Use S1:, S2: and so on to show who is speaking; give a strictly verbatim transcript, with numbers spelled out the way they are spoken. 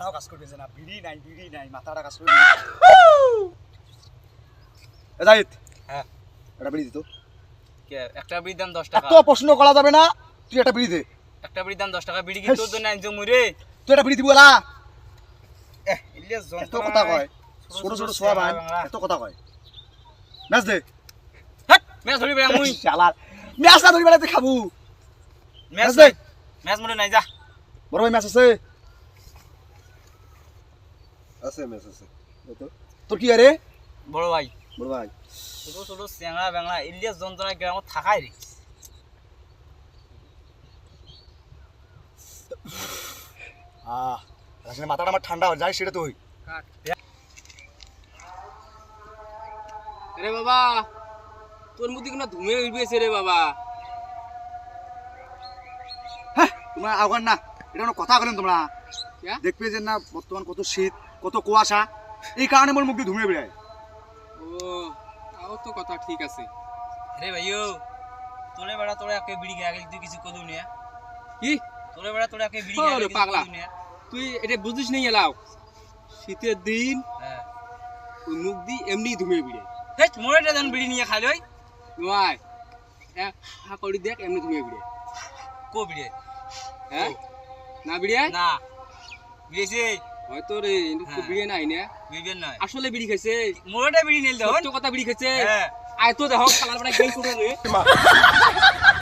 S1: মাথাটাও কাজ করতেছে না, বিড়ি নাই বিড়ি নাই মাথাটা কাজ করবে। এ জাহিদ,
S2: হ্যাঁ
S1: একটা বিড়ি দিত।
S2: কে একটা বিড়ির দাম দশ টাকা?
S1: এত প্রশ্ন করা যাবে না, তুই একটা বিড়ি দে।
S2: একটা বিড়ির দাম দশ টাকা, বিড়ি কি তোর জন্য আনছো মুই রে?
S1: তুই একটা বিড়ি দিব না।
S2: এহ ইলিয়াস
S1: এত
S2: যন্ত্রণা
S1: কথা কয়,
S2: ছোট
S1: ছোট
S2: ছোট
S1: ছোট সোয়া ভাই,
S2: বাংলা।
S1: এত কথা কয়। ম্যাচ দে।
S2: হাট ম্যাচ ধরি বেড়া মুই।
S1: শালার ম্যাচ না ধরি বেড়াতে খাবো।
S2: ম্যাচ
S1: দে।
S2: দে, ম্যাচ মনে নাই যা।
S1: বড় ভাই ম্যাচ আছে?
S3: আছে ম্যাচ আছে।
S1: তোর কি আরে?
S2: বড় ভাই
S1: বড় ভাই
S2: ছোট ছোট চ্যাংড়া বাংলা ইলিয়াস যন্ত্রণা গ্রামত থাকাই রে।
S1: আহ আসলে মাথাটা আমার ঠান্ডা হয়ে যায়, সেটা তুই
S4: রে বাবা, তোর মধ্যে কোনো ধুমে উঠবেছে রে বাবা।
S1: হ্যাঁ তোমরা আগান না, এটা কোনো কথা বলেন তোমরা?
S4: ক্যা?
S1: দেখবে যে না বর্তমান কত শীত, কত কুয়াশা, এই কারণে মোর মুখ দিয়ে ধুমে বেড়ায়।
S4: ও তাও তো কথা ঠিক আছে।
S2: রে ভাইও তোরে বেড়া তোরে একে বিড়ি গিয়ে আগে তুই কিছু কদু নিয়া
S4: কি
S2: তোরে বেড়া তোরে একে বিড়ি
S4: ওরে
S2: গিয়ে আগে কিছু
S4: পাগলা।
S2: কদু নিয়া।
S4: তুই এটা বুঝিস নাই এলাও, শীতের দিন
S2: হ্যাঁ
S4: ওই মুখ দি এমনি ধুমে বিড়ে
S2: হেট মোরে এটা জান বিড়ি নিয়ে খাই লই।
S4: নয় হা করি দেখ এমনি ধুমে বিড়ে।
S2: কো বিড়ি?
S4: হ্যাঁ না বিড়ে
S2: না বিড়িছে
S4: হয়তো রে
S2: হ্যাঁ।
S4: বিড়ে নাই না,
S2: বিড়ি নাই
S4: আসলে বিড়ি খাইছে।
S2: মোরেটা বিড়ি নিল দাও।
S4: সত্য কথা বিড়ি খাইছে।
S2: হ্যাঁ
S4: আয় তো দেখো খালার বেড়া গেল করে রে।